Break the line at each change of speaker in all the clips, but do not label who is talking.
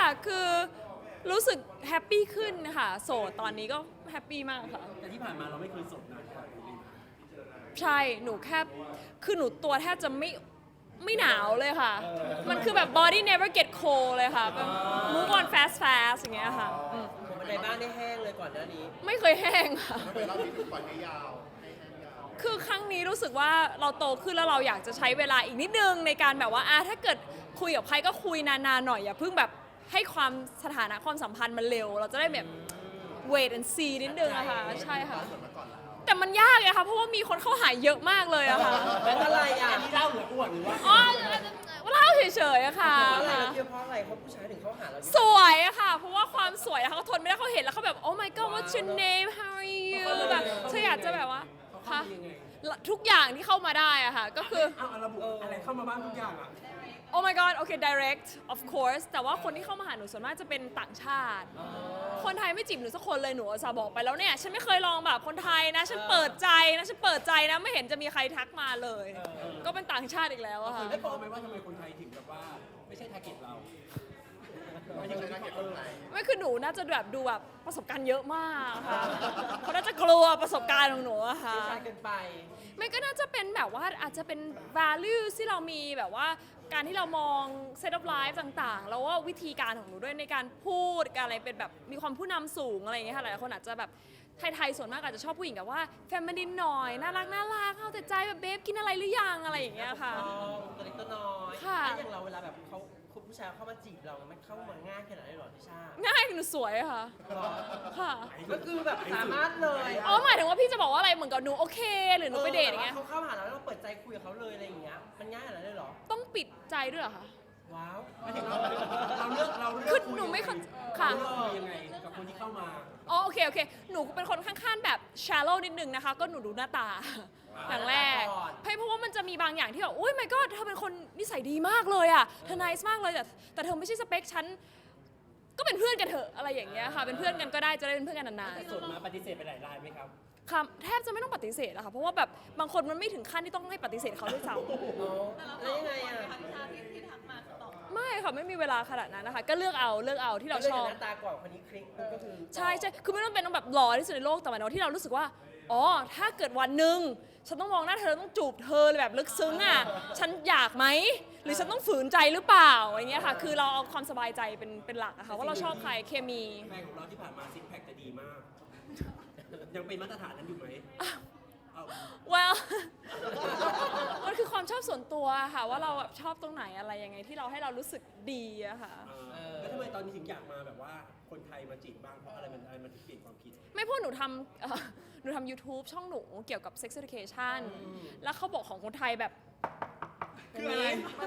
คือรู้สึกแฮปปี้ขึ้นค่ะโสดตอนนี้ก็แฮปปี้มากค่ะ
แต่ที่ผ่านมาเราไม่เคยโสดนาน
ใช่หนูแค่คือหนูตัวแทบจะไม่หนาวเลยค่ะมันคือแบบ body never get cold เลยค่ะแบบ move on fast fast อย่างเงี้ยค่ะ
ผมในบ้านได้แห้งเลยก่อนหน้านี้
ไม่เคยแห้งค่ะ
เคยเล่าที่ถูกปล่อยให้ยาวให้แห้งยาว
คือครั้งนี้รู้สึกว่าเราโตขึ้นแล้วเราอยากจะใช้เวลาอีกนิดนึงในการแบบว่าถ้าเกิดคุยกับใครก็คุยนานๆหน่อยอย่าเพิ่งแบบให้ความสถานะความสัมพันธ์มันเร็วเราจะได้แบบ wait and see นิดนึงอะค่ะใช่ค่ะแต่มันยากไงคะเพราะว่ามีคนเข้าหาเยอะมากเลยอะค่ะ
เป็นอะไรอ่ะ
อันนี้เล่าหรืออ้วนหรือว่า
อ๋อเล่าเฉยๆอะค่ะ
เพราะอะไรเราเชื่อเพราะอะไรเขาผู้ชายถึงเขาหาเรา
สวยอะค่ะเพราะว่าความสวยอะเขาทนไม่ได้เขาเห็นแล้วเขาแบบ oh my god what's your name how are you แบบเธออยากจะแบบว่า
เขา
ค่ะ
เข้ามายังไง
ทุกอย่างที่เข้ามาได้อะค่ะก็คือ
เอาระบุอะไรเข้ามาบ้างทุกอย่างอ่ะ
oh my god โอเค direct of course แต่ว่าคนที่เข้ามาหาหนูส่วนมากจะเป็นต่างชาติ คนไทยไม่จีบหนูสักคนเลยหนูจะบอกไปแล้วเนี่ยฉันไม่เคยลองแบบคนไทยนะฉันเปิดใจนะฉันเปิดใจนะไม่เห็นจะมีใครทักมาเลย ก็เป็นต่างชาติอีกแล้วอะค่ะ
ได้บอกไหมว่าทำไมคนไทยถึงแบบว่าไม่ใช่ทาร์เก็ตเรา
ไม่ใช่นักเก็ตคนไทย
ไม่คือหนูน่าจะแบบดูแบบประสบการณ์เยอะมากค่ะเขาน่าจะกลัวประสบการณ์ของหนูอะค่ะ
ผู้ชายเกินไป
ไม่ก็น่าจะเป็นแบบว่าอาจจะเป็น value ที่เรามีแบบว่าการที่เรามอง set of life ต่างๆ แล้วว่าวิธีการของหนูด้วยในการพูดการอะไรเป็นแบบมีความผู้นำสูงอะไรอย่างเงี้ยค่ะหลายคนอาจจะแบบไทยๆส่วนมากอาจจะชอบผู้หญิงแบบว่า feminine หน่อยน่ารักเอาแต่ใจแบบเบฟกินอะไรหรือยังอะไรอย่างเงี้ยค่ะ
ตัวเล็กตัวน้อย
ค่ะ
ถ้าอย่างเราเวลาแบบเขาคุณผู้ชายเข้ามาจีบเรามันเข้ามาง่ายขนาดไหนหรอทิชา
ง่ายหนูสวยอะค่ะค่ะ
ก็คือแบบสามารถเลย
อ๋อหมายถึงว่าพี่จะบอกว่าอะไรเหมือนกับหนูโอเคหรือหนูไปเดทอย่างเงี้ย
เขาเข้าหาเราแล้วเราเปิดใจคุยกับเขาเลยอะไรอย่างเงี้ยมันง่ายขนาดนั้นเลยเหรอ
ต้องปิดใจด้วยเหรอคะ
ว้าว
ไม่ถึงเราเลือก
คือหนูไม่เข้าค่ะ
เราเลือกคุยยังไงกับคนที่เข้ามา
อ๋อโอเคหนูเป็นคนข้างๆแบบ shallow นิดนึงนะคะ ก็หนูดูหน้าตาอย่างแรกเพราะว่ามันจะมีบางอย่างที่แบบโอ้ย my god เธอเป็นคนนิสัยดีมากเลยอ่ะเธอ nice มากเลยแต่เธอไม่ใช่สเปคฉันก็เป็นเพื่อนกันเถอะอะไรอย่างเงี้ยค่ะเป็นเพื่อนกันก็ได้จะได้เป็นเพื่อนกันนาน
แต่ส่วนมาปฏิเสธไปหลายรายไหมครับ
ๆค่ะแทบจะไม่ต้องปฏิเสธอะค่ะเพราะว่าแบบบางคนมันไม่ถึงขั้นที่ต้องให้ปฏิเสธเขาด้วยซ้
แล้วยังไงอ่ะ
ำไม่ค่ะไม่มีเวลาขนาดนั้นนะคะก็เลือกเอาที่เราชอบ
หน้าตาก่อนคนนี้คลิกก็คือ
ใช่คือไม่ต้องเป็นต้องแบบหล่อที่สุดในโลกแต่หมายถึงว่าที่เรารู้สึกว่า อ๋อ ถ้าเกิดวันหนึ่งฉันต้องมองหน้าเธอต้องจูบเธอเลยแบบลึกซึ้งอ่ะ ฉันอยากไหม หรือฉันต้องฝืนใจหรือเปล่าอย่างเงี้ยค่ะ คือเราเอาความสบายใจเป็นหลักอะค่ะว่าเราชอบใครเคมี
แฟนของเราที่ผ่านมาซิกแพคจะดีมาก ยังเป็นมาตรฐานนั้นอยู่ไหมเอา
well มันคือความชอบส่วนตัวค่ะว่าเราแบบชอบตรงไหนอะไรยังไงที่เราให้เรารู้สึกดีอะค่ะ
แล้วทำไมตอนนี้ถึงอยากมาแบบว่าคนไทยมาจีบบ้างเพราะอะไรมันถึงเปลี่ยนความคิด
ไม่พูดหนูทำหนูทำ YouTube ช่องหนูเกี่ยวกับ sex education แล้วเขาบอกของคนไทยแบบ
คืออะไร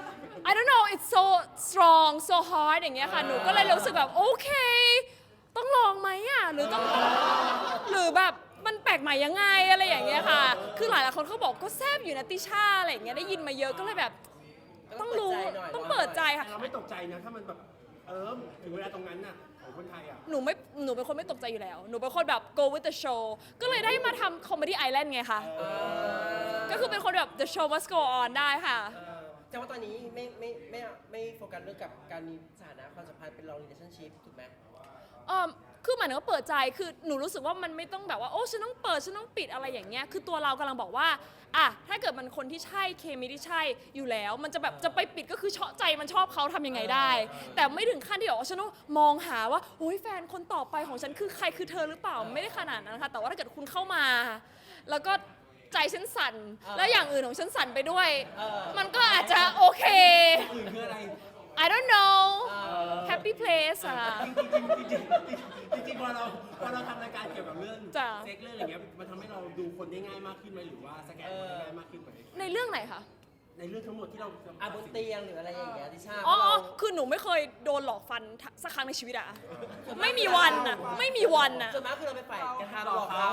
I don't know it's so strong so hard อย่างเงี้ยค่ะ หนูก็เลยรู้สึกแบบโอเค ต้องลองไหมอ่ะ หรือต้องหรือแบบมันแปลกใหม่ยังไงอะไรอย่างเงี้ยค่ะ คือหลายๆคนเขาบอกก็แซบอยู่นะติช่าอะไรอย่างเงี้ยได้ยินมาเยอะก็เลยแบบต้องรู้ต้องเปิดใจค่ะ
เราไม่ตกใจนะถ้ามันแบบถึงเวลาตรงนั้นน่ะของคนไทยอ่ะ
หนูเป็นคนไม่ตกใจอยู่แล้ว หนูเป็นคนแบบ go with the show ก็เลยได้มาทำ comedy island ไงคะ ก็คือเป็นคนแบบ the show must go on ได้ค่ะ
แต่ว่าตอนนี้ไม่โฟกัสเรื่องกับการมีสถานะความสัมพันธ์เป็น long relationship ถูกไหม
คือหมายถึงว่าเปิดใจ คือหนูรู้สึกว่ามันไม่ต้องแบบว่าโอ้ฉันต้องเปิดฉันต้องปิดอะไรอย่างเงี้ย คือตัวเรากำลังบอกว่าถ้าเกิดมันคนที่ใช่เคมีที่ใช่อยู่แล้ว มันจะแบบจะไปปิดก็คือเชาะใจมันชอบเขาทำยังไงได้ แต่ไม่ถึงขั้นที่บอกว่าฉันต้องมองหาว่าโอ้ยแฟนคนต่อไปของฉันคือใครคือเธอหรือเปล่าไม่ได้ขนาดนั้นค่ะแต่ว่าถ้าเกิดคุณเข้ามา แล้วก็ใจฉันสั่นแล้วอย่างอื่นของฉันสั่นไปด้วย มันก็อาจจะโอเค
อื่นคืออะไร
I don't know happy place อะ
จริงๆพอเราทำรายการเกี่ยวกับเรื่อง
จ้ะ
เซ็กเรื่องอะไรเงี้ยมันทำให้เราดูคนได้ง่ายมากขึ้นไหมหรือว่าสแกนคนได้ง่ายมากขึ้นไหม
ในเรื่องไหนคะ
ในเรื่องทั้งหมดที่เรา
บนเตียงหรืออะไรอย่างเงี้ยทิชา
อ๋อคือหนูไม่เคยโดนหลอกฟันสักครั้งในชีวิตอะไม่มีวันอะไม่มีวันอะ
ส่วนมากคือเราไปฝ่ายกระทำหลอกเขา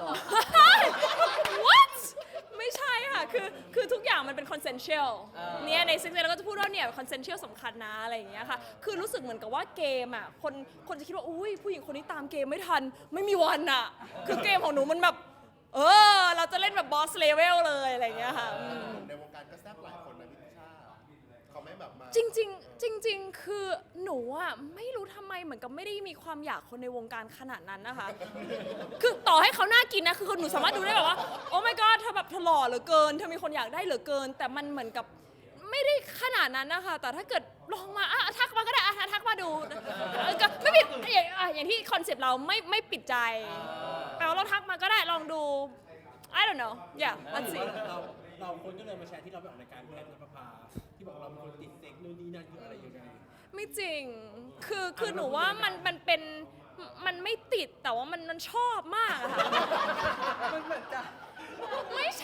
What ไม่ใช่ค่ะ คือทุกอย่างมันเป็น consensual เนี่ยใน sex เราก็จะพูดว่าเนี่ย consensual สำคัญนะอะไรอย่างเงี้ยค่ะ คือรู้สึกเหมือนกับว่าเกมอะคนจะคิดว่าอุ้ยผู้หญิงคนนี้ตามเกมไม่ทัน ไม่มีวันอะคือเกมของหนูมันแบบ เราจะเล่นแบบ boss level เลยอะไรอย่างเงี้ยค่ะ
ในวงการก็แซ่บหลายคนนะพี่ชาเขาไม่แบบมา
จริงๆคือหนูอะไม่รู้ทำไมเหมือนกับไม่ได้มีความอยากคนในวงการขนาดนั้นนะคะ คือต่อให้เขาน่ากินนะคือหนูสามารถดูได้แบบว่าโอ้ my god เธอแบบเธอหล่อเหลือเกินเธอมีคนอยากได้เหลือเกิน แต่มันเหมือนกับไม่ได้ขนาดนั้นนะคะแต่ถ้าเกิดลองมาทักมาก็ได้ทักมาดูก็ไม่ปิดอย่างที่คอนเซ็ปต์เราไม่ปิดใจแปลว่าเราทักมาก็ได้ลองดู I don't know yeah let's see
เราคนก็เลยมาแชร์ที่เราไปออกรายการแพทย์นภพาที่บอกเราเป็นคนติดเซ็กนู่นนี่นั่นคืออะไรยังไง
ไม่จริง คือหนูว่ามันเป็น มันไม่ติด แต่ว่ามันชอบมากอะค่ะ
มันเหมือนจะ
ไม่ใช่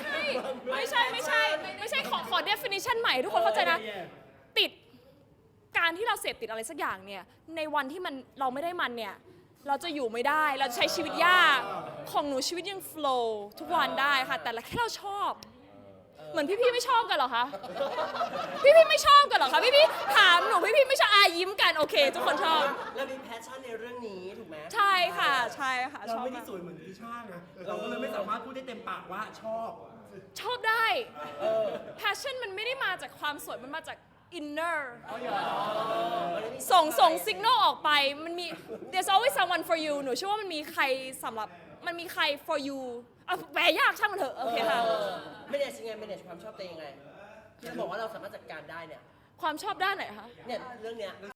ขอ definition ใหม่ทุกคนเข้าใจนะ ติด การที่เราเสพติดอะไรสักอย่างเนี่ย ในวันที่เราไม่ได้มันเนี่ย เราจะอยู่ไม่ได้ เราจะใช้ชีวิตยาก ของหนูชีวิตยัง flow ทุกวันได้ค่ะ แต่แค่เราชอบ เหมือนพี่ๆไม่ชอบกันเหรอคะ พี่ๆไม่ชอบกันเหรอคะ พี่ๆถามหนูพี่ๆไม่ชอบยิ้มกันโอเค ทุกคนชอบ
เรามีแพชชั่นในเรื่องนี้ถูกไหม
ใช่ค่ะช
เรา
อบ
ไม่ได้
มาก
สวยเหมือนพี่ช่างนะเราก็เลยไม่สามารถพูดได้เต็มปากว่าชอบ
ชอบได้ passion มันไม่ได้มาจากความสวย มันมาจาก inner ส่ง signal ออกไป มันมี there's always someone for you หนูเชื่อว่ามันมีใครสำหรับ มันมีใคร for you แปลยากช่างมันเถอะ โอเคค่ะ
ไม่ได้ยังไงไม่ได้ความชอบตัวเองยังไงที่เราบอกว่าเราสามารถจัดการได้เนี่ย
ความชอบด้านไหนคะ
เนี่ยเรื่องเนี้ย